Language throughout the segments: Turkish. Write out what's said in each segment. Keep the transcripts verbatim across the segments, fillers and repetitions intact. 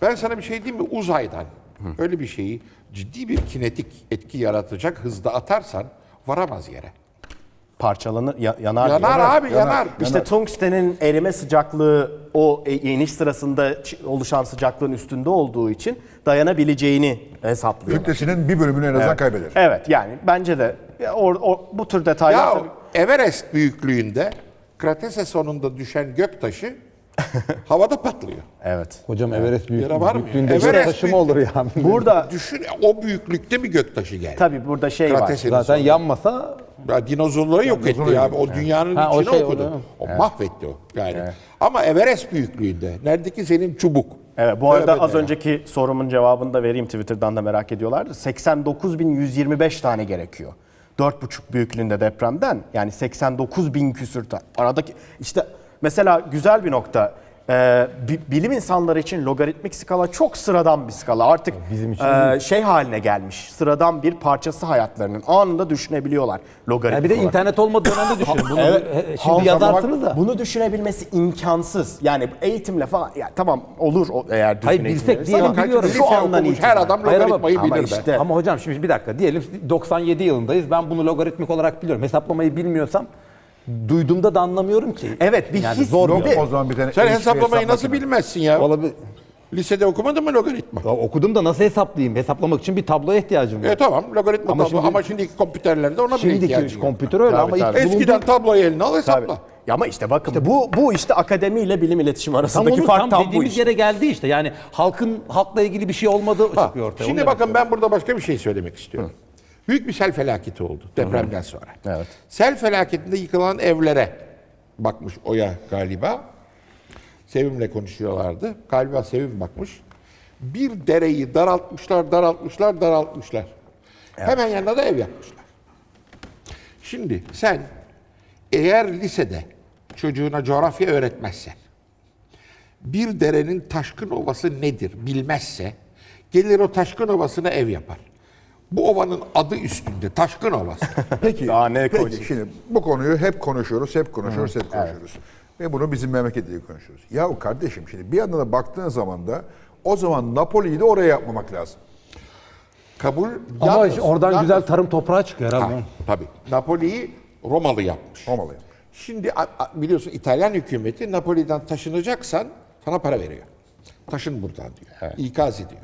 Ben sana bir şey diyeyim mi? Uzaydan öyle bir şeyi ciddi bir kinetik etki yaratacak hızda atarsan varamaz yere. Parçalanır, ya- yanar. Yanar yanar. abi, yanar. İşte tungstenin erime sıcaklığı o e- iniş sırasında ç- oluşan sıcaklığın üstünde olduğu için dayanabileceğini hesaplıyor. Kütlesinin bir bölümünü en azından Evet. kaybeder. Evet, yani bence de ya or- or- bu tür detaylar Ya tabii. Everest büyüklüğünde Kratese sonunda düşen göktaşı havada patlıyor. Evet. Hocam Everest büyük, Yara var mı? büyüklüğünde Everest taşı mı büyük- olur ya? Burada Düşün, o büyüklükte bir göktaşı geldi. tabii burada şey var. Kratese'nin Zaten sonunda. yanmasa Ya dinozorları yok etti ya. O dünyanın Ha, o içine şey, okudu. o O, da- mahvetti o. Yani. Ama Everest büyüklüğünde. Neredeki senin çubuk. Evet, bu arada Tövbe az de. önceki sorumun cevabını da vereyim, Twitter'dan da merak ediyorlardı. seksen dokuz bin yüz yirmi beş tane gerekiyor. dört buçuk büyüklüğünde depremden, yani seksen dokuz bin küsür tane. Aradaki işte mesela güzel bir nokta. Ee, bi- bilim insanları için logaritmik skala çok sıradan bir skala. Artık Bizim için e, şey haline gelmiş. Sıradan bir parçası hayatlarının. Anında düşünebiliyorlar logaritmik ya bir de olarak. internet olmadığı dönemde düşünün. Bunu Evet. he- Halk şimdi yazarsınız da. Bunu düşünebilmesi imkansız. Yani eğitimle falan, ya tamam olur o- eğer düzgün Hayır, eğitim bilsek verirse diyelim, ama biliyorum. şu Lise andan okumuş itibaren. her adam Hayır ama- logaritmayı ama bilir işte- be. Ama hocam şimdi bir dakika diyelim doksan yedi yılındayız. Ben bunu logaritmik olarak biliyorum. Hesaplamayı bilmiyorsam duyduğumda da anlamıyorum ki. Evet, bir Yani his zor yok. bir de. O zaman bir tane Sen H P hesaplamayı nasıl hesap bilmezsin ya? Olabilir. Lisede okumadın mı logaritma? Ya okudum da nasıl hesaplayayım? Hesaplamak için bir tabloya ihtiyacım var. E tamam logaritma Ama tablo şimdi- ama şimdiki kompüterlerde ona bile ihtiyacın Şimdiki yok. kompütür öyle Tabii, ama tabii. ilk Eskiden bulunduğu- tabloyu eline al Tabii. hesapla. Ya ama işte bakın bu bu işte akademiyle bilim iletişim tam arasındaki onu fark tam tam bu dediğimiz işte. yere geldi işte. Yani halkın halkla ilgili bir şey olmadığı Ha, çıkıyor ortaya. Şimdi Onu bakın demek ben burada başka bir şey söylemek istiyorum. Büyük bir sel felaketi oldu depremden sonra. Evet. Sel felaketinde yıkılan evlere bakmış Oya galiba. Sevim'le konuşuyorlardı. Galiba Sevim bakmış. Bir dereyi daraltmışlar, daraltmışlar, daraltmışlar. Hemen yanına da ev yapmışlar. Şimdi sen eğer lisede çocuğuna coğrafya öğretmezsen, bir derenin taşkın ovası nedir bilmezse, gelir o taşkın ovasına ev yapar. Bu ovanın adı üstünde, Taşkın Ovası. Peki, Daha ne peki koyacak? şimdi bu konuyu hep konuşuyoruz, hep konuşuyoruz, hep konuşuyoruz. Ve bunu bizim memlekette konuşuyoruz. Ya kardeşim şimdi bir yandan da baktığın zaman da o zaman Napoli'yi de oraya yapmamak lazım. Kabul. Ama yalnız- işte oradan yalnız- güzel tarım toprağı çıkıyor herhalde. Ha, tabii. Napoli'yi Romalı yapmış. Romalı yapmış. Şimdi a- a- biliyorsun İtalyan hükümeti Napoli'den taşınacaksan sana para veriyor. Taşın buradan diyor. İkaz ediyor.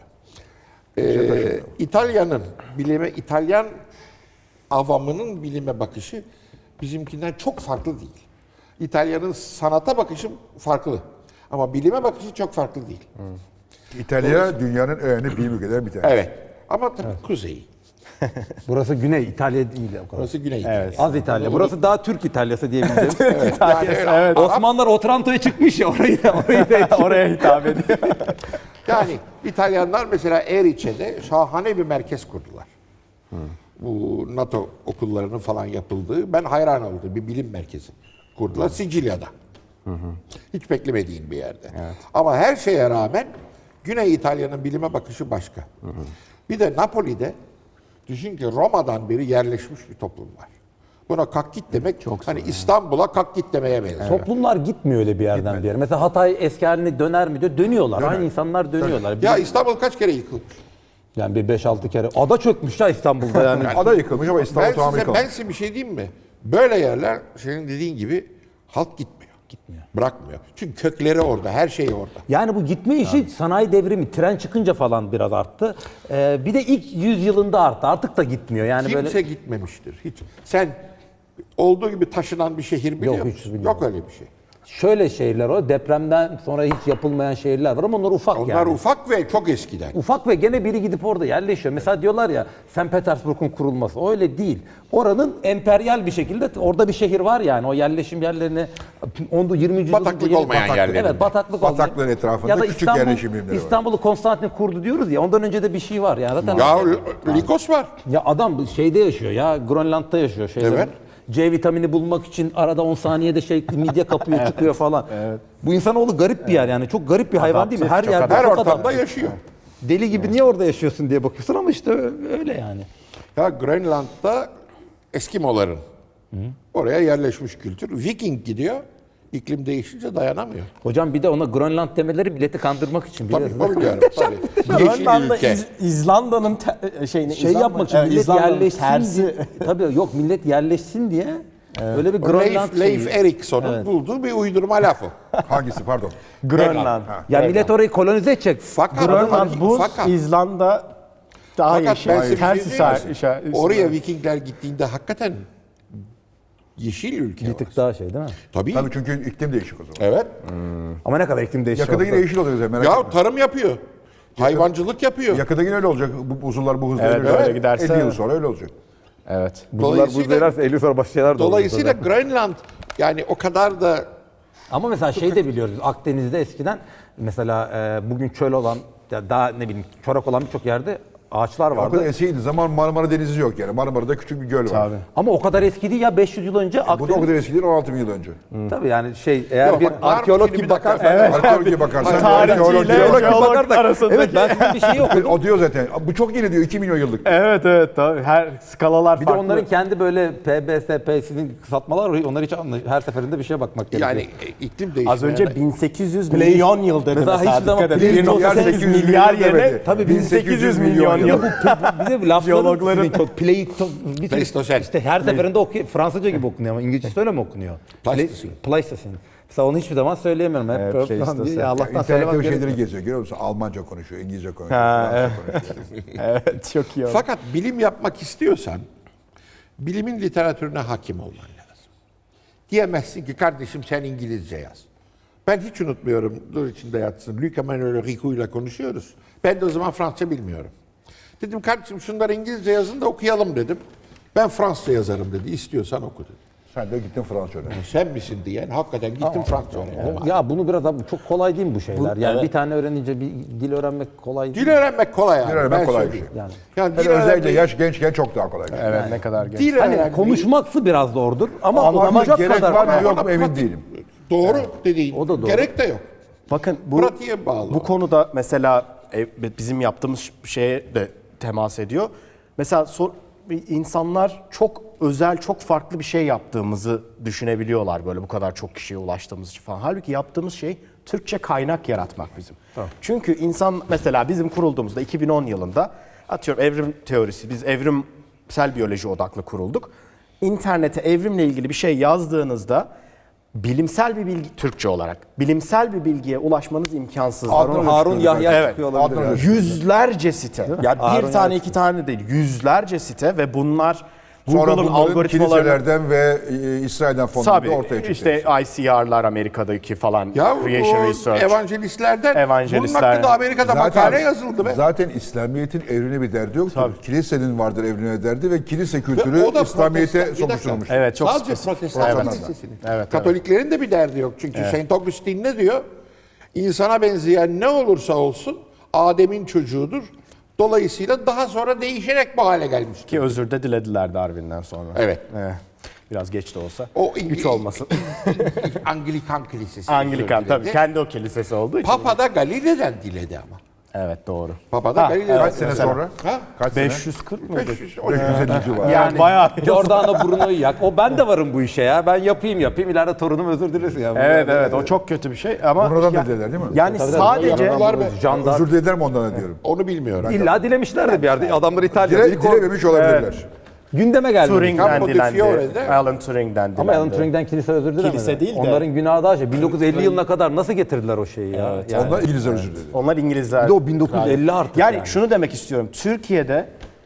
Ee, İtalya'nın bilime, İtalyan avamının bilime bakışı bizimkinden çok farklı değil. İtalya'nın sanata bakışı farklı. Ama bilime bakışı çok farklı değil. İtalya dünyanın en önemli bilim ülkelerinden bir tanesi. Evet. Ama tabii kuzeyi. Burası Güney İtalya değil o kadar. Burası Güney İtalya. Az İtalya. Burası daha Türk İtalyası diyebileceğim. Yani öyle Arap- Osmanlılar Otranto'ya çıkmış ya orayı da orayı da Oraya hitap ediyor. Yani İtalyanlar mesela Erice'de şahane bir merkez kurdular. Bu NATO okullarının falan yapıldığı, ben hayran oldum, bir bilim merkezi kurdular Sicilya'da. Hiç beklemediğin bir yerde. Ama her şeye rağmen Güney İtalya'nın bilime bakışı başka. Bir de Napoli'de düşün ki Roma'dan beri yerleşmiş bir toplum var. Buna kalk git demek çok hani İstanbul'a kalk git demeye benziyor. Toplumlar gitmiyor öyle bir yerden bir yere. Mesela Hatay eski haline döner mi diyor. Dönüyorlar. Aynı insanlar dönüyorlar. Ya Bir- İstanbul kaç kere yıkılmış? yani bir beş altı kere. Ada çökmüş ya İstanbul'da yani. Ada yıkılmış ama İstanbul Ben tamamı size, yıkılmış. ben size bir şey diyeyim mi? Böyle yerler senin dediğin gibi halk gitmiyor. Gitmiyor. Bırakmıyor. Çünkü kökleri orada, her şey orada. Yani bu gitme işi sanayi devrimi, tren çıkınca falan biraz arttı. Ee, bir de ilk yüz yılında arttı. Artık da gitmiyor. Yani Kimse böyle gitmemiştir. Hiç. Sen olduğu gibi taşınan bir şehir biliyor Yok, hiç musun? bilmiyorum. Yok öyle bir şey. şöyle şehirler o. Depremden sonra hiç yapılmayan şehirler var ama onlar ufak Onlar yani. ufak ve çok eskiden. Ufak ve gene biri gidip orada yerleşiyor. Mesela diyorlar ya Sankt Petersburg'un kurulması. O öyle değil. Oranın emperyal bir şekilde orada bir şehir var yani. O yerleşim yerlerini on yirminci yüzyılda Bataklık yeni- olmayan yerlerinde. Evet, bataklık Bataklığın olmayan. etrafında Ya da küçük İstanbul- yerleşim birimleri var. İstanbul'u Konstantin kurdu diyoruz ya. Ondan önce de bir şey var yani. Zaten Ya Likos var. ya adam şeyde yaşıyor ya. Grönland'da yaşıyor. Şeyde, Evet. C vitamini bulmak için arada on saniyede şey midye kapıyor çıkıyor falan. Bu insanoğlu garip bir yer yani. Çok garip bir hayvan değil mi? Her Adaptif, çok yerde Her çok ortamda adaptif. yaşıyor. Deli gibi niye orada yaşıyorsun diye bakıyorsun ama işte öyle yani. Ya Grönland'da Eskimoların oraya yerleşmiş kültür. Viking gidiyor. İklim değişince dayanamıyor. Hocam bir de ona Grönland demeleri milleti kandırmak için. Tabii biliyorsunuz. onu diyorum. Tabii. Yeşil Grönland'da ülke. İz- İzlanda'nın te- şeyini Şey İzlanda- yapmak için e, millet İzlanda'nın yerleşsin tersi. diye. Tabii yok millet yerleşsin diye. Öyle bir O Grönland Leif, Leif şeyi. Erikson'un bulduğu bir uydurma laf o. Hangisi pardon? Grönland. Ha. Ya millet orayı kolonize edecek. Fakat, Grönland buz, fakat, İzlanda daha fakat yeşil. ben size bir şey Ters diyeyim mi? işaret- işaret- Oraya Vikingler gittiğinde hakikaten yeşil ülke Bir var. tık daha şey değil mi? Tabii. Tabii çünkü iklim değişik o zaman. Evet. Ama ne kadar iklim değişiyor. Yakında yine yeşil olacak zaten, merak Ya etme. tarım yapıyor. Hayvancılık yapıyor. Yakında yine öyle olacak. Bu buzullar bu hızla Evet, ilerlerse öyle giderse- elli yıl sonra öyle olacak. Evet. Bunlar Dolayısıyla- buz verirse elli sonra başka şeyler de olur Dolayısıyla tabii. Grönland yani o kadar da Ama mesela şey de biliyoruz. Akdeniz'de eskiden mesela e, bugün çöl olan ya daha ne bileyim çorak olan birçok yerde ağaçlar O kadar vardı. eskiydi. Zaman Marmara Denizi yok yani. Marmara'da küçük bir göl var. Tabii. Ama o kadar eski değil ya beş yüz yıl önce Bu da o Akdeniz. kadar eski değil, on altı bin yıl önce. Tabii yani şey eğer Yok, bir bak, var mı arkeolog şimdi gibi bir dakika? bakarsan. Evet. Arkeolojiye bakarsan. Tarihçiyle arkeoloji- jeolog arasındaki. Evet ben size bir şey okudum. O diyor zaten. Bu çok yeni diyor. iki milyon yıllık. Evet evet tabii. Her skalalar Bir de farklı. onların kendi böyle P B S P'sinin kısaltmalar var. Onlar hiç anla her seferinde bir şeye bakmak gerekiyor. yani e, iklim değişimi. Az önce bin sekiz yüz milyon yıl dedi Mesela mesela. hiçbir zaman Dikkat edin. Play- bir nokta sekiz sekiz yüz milyar milyon yerine demedi. tabii bin bin sekiz yüz milyon milyon yıl. bir de lafların Jeologların- sizin çok pleito bir tür- Pleistosen. işte her seferinde okuyor Fransızca gibi okunuyor ama İngilizcesi öyle mi okunuyor? Pleistosen. Pleistocene. Mesela onu hiçbir zaman söyleyemiyorum. Hep Evet, böyle Pleistosen. falan diye. Ya Allah'tan İnternette söylemem bir şeyleri gerekiyor. geziyor. Görüyor musun? Almanca konuşuyor, İngilizce konuşuyor, Ha, Fransızca konuşuyor. Evet çok iyi oldu. Fakat bilim yapmak istiyorsan bilimin literatürüne hakim olman lazım. Diyemezsin ki kardeşim sen İngilizce yaz. Ben hiç unutmuyorum. Dur içinde yatsın. Luc Emmanuel Ricoux ile konuşuyoruz. Ben de o zaman Fransızca bilmiyorum. Dedim kardeşim şunları İngilizce yazın da okuyalım dedim. Ben Fransızca yazarım dedi. İstiyorsan oku dedi. Sen de gittin Fransızca öğrendin. Sen misin diyen hakikaten gittim Fransızca öğrendim. Ya bunu biraz abi çok kolay değil mi bu şeyler? Yani bir tane öğrenince bir dil öğrenmek kolay değil. Dil öğrenmek kolay yani. Dil öğrenmek ben kolay bir söyleyeyim. şey. Yani. Yani Hele dil özellikle öğrenmeyi- yaş gençken çok daha kolay. Evet ne kadar genç. Dil Hani öğrenmeyi- konuşması biraz zordur ama Ama anlamayacak gerek kadar. var mı Ama yok mu ona emin pratik- değilim. Doğru dediğin. O da doğru. Gerek de yok. Bakın bu Pratiğe bağlı. bu konuda mesela e, bizim yaptığımız şeye de temas ediyor. Mesela sor, insanlar çok özel, çok farklı bir şey yaptığımızı düşünebiliyorlar böyle bu kadar çok kişiye ulaştığımız için falan. Halbuki yaptığımız şey Türkçe kaynak yaratmak bizim. Çünkü insan mesela bizim kurulduğumuzda iki bin on yılında atıyorum evrim teorisi, biz evrimsel biyoloji odaklı kurulduk. İnternete evrimle ilgili bir şey yazdığınızda bilimsel bir bilgi, Türkçe olarak, bilimsel bir bilgiye ulaşmanız imkansız. Harun, Harun Yahya Evet. çıkıyor olabilir. Adnan yani. Yüzlerce site. Ya bir Harun tane Yahya. iki tane değil. Yüzlerce site ve bunlar Sonra Google'ın bunların algoritmalarını kiliselerden ve e, İsrail'den fonlandı tabii ortaya çıktı. işte I C R'lar Amerika'daki falan Ya Creation o Research. evangelistlerden Evangelistler. bunun hakkında Amerika'da makale yazıldı be. Zaten İslamiyet'in evrine bir derdi yoktur. Tabii. Kilisenin vardır evrine derdi ve kilise Ve kültürü o da İslamiyet'e protestan- bir dakika. sokuşturmuş. Evet, çok Sadece spesifik. protestan Evet. kilisesinin. Evet, evet. Katoliklerin de bir derdi yok. Çünkü Saint Augustine ne diyor? İnsana benzeyen ne olursa olsun Adem'in çocuğudur. Dolayısıyla daha sonra değişerek bu hale gelmiştir. Ki özür de dilediler Darwin'den sonra. Evet. Evet. Biraz geç de olsa. O Güç olmasın. Anglikan kilisesi. Anglikan özür diledi. tabii kendi o kilisesi olduğu için. Papa da Galile'den diledi ama. Evet doğru. Papa da Ha, Galile'den. Kaç sene Mesela. sonra? Ha? Kaç sene? beş yüz kırk mıydı? beş yüz, on beş yüz elli civarı. Yani bayağı. Giordano Bruno'yu yak. O ben de varım bu işe ya. Ben yapayım yapayım. İleride torunum özür dilesin ya. Evet evet o çok kötü bir şey ama Buradan ya- da dediler değil mi? yani Tabii, tabii. sadece Yaptılar mı? Jandar. Özür dilerim ondan da diyorum. Onu bilmiyorum. İlla dilemişlerdi bir yerde. Adamlar İtalya'da. Dile, İlk o- dilememiş olabilirler. gündeme geldi. Turing'den Campo di dilendi. Fiore'de- Alan Turing'den dilendi. Ama Alan Turing'den kilise özür dilemedi. Kilise değil de- Onların günahı daha şey. bin dokuz yüz elli yılına kadar nasıl getirdiler o şeyi ya? Yani, Onlar İngilizler özür diledi. Onlar İngilizler. Bir de o bin dokuz yüz elli artık Yani, yani. şunu demek istiyorum. Türkiye'de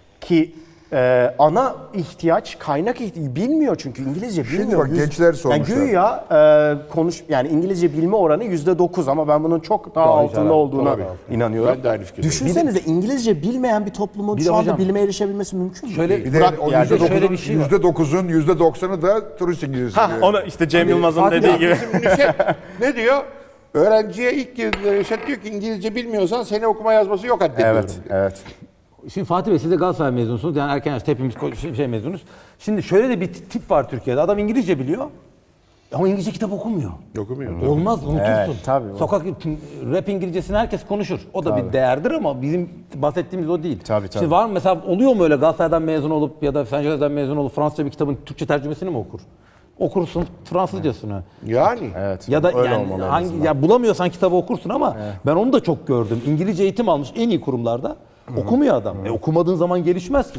ki e, ana ihtiyaç kaynak ihtiyaç bilmiyor çünkü İngilizce Şimdi bilmiyor. bak gençler sormuşlar. Yani güya e, konuş yani İngilizce bilme oranı yüzde dokuz ama ben bunun çok daha altında güzel, olduğuna tabii. inanıyorum. Ben de aynı fikirdeyim. Düşünsenize İngilizce bilmeyen bir toplumun Bir de şu anda hocam- bilime erişebilmesi mümkün mü? Şöyle Bir de Bırak o yani. yüzde Şöyle bir dokuzun, şey var. yüzde dokuzun, yüzde doksanı da turist İngilizce. Ha, onu işte Cem Yılmaz'ın Fatih dediği abi, gibi. Bizim Nüşet ne diyor? Öğrenciye ilk girdiğinde Nüşet diyor ki İngilizce bilmiyorsan seni okuma yazması yok addediyorum. Evet, evet. Şimdi Fatih Bey siz de Galatasaray mezunusunuz. Yani erken yaşta hepimiz ko- şey, şey mezunuz. Şimdi şöyle de bir t- tip var Türkiye'de. Adam İngilizce biliyor. Ama İngilizce kitap okumuyor. Okumuyor. Olmaz unutursun. Evet, tabii. Sokak rap İngilizcesini herkes konuşur. O da bir değerdir ama bizim bahsettiğimiz o değil. Tabii, tabii. Şimdi var mı mesela oluyor mu öyle Galatasaray'dan mezun olup ya da Fen Jose'den mezun olup Fransızca bir kitabın Türkçe tercümesini mi okur? okursun Fransızcasını. Yani. Evet. Ya da öyle yani olmalı en hangi azından. ya bulamıyorsan kitabı okursun ama ben onu da çok gördüm. İngilizce eğitim almış en iyi kurumlarda okumuyor adam. E, okumadığın zaman gelişmez ki.